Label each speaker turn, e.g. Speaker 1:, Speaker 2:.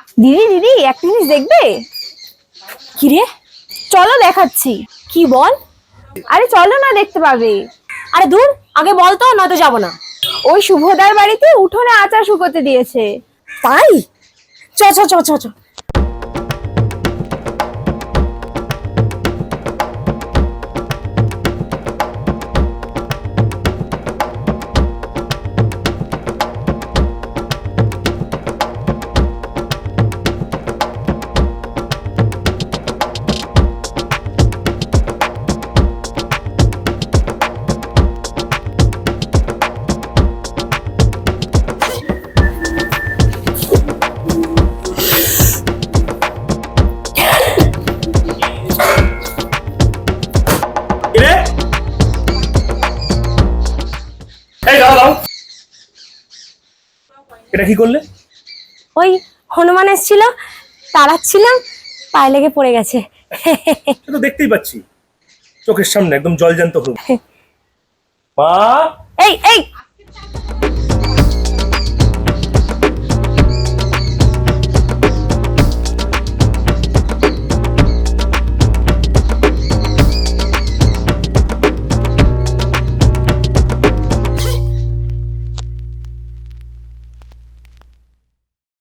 Speaker 1: দিদি দিদি একটা জিনিস দেখবে?
Speaker 2: কি রে?
Speaker 1: চলো দেখাচ্ছি।
Speaker 2: কি বল?
Speaker 1: আরে চলো না, দেখতে পাবে।
Speaker 2: আরে দূর, আগে বল তো, নয়তো যাবো না।
Speaker 1: ওই শুভদার বাড়িতে উঠোনে আচার শুকোতে দিয়েছে।
Speaker 2: তাই? চ চ চ চ চ।
Speaker 3: কিরে এই দাও দাও, এটা কি করলে?
Speaker 2: ওই হনুমান এসেছিল, তাড়াচ্ছিলাম, পায়ে লেগে পড়ে গেছে।
Speaker 3: সে তো দেখতেই পাচ্ছি চোখের সামনে একদম জলজ্যান্ত হলো। মা
Speaker 2: এই এই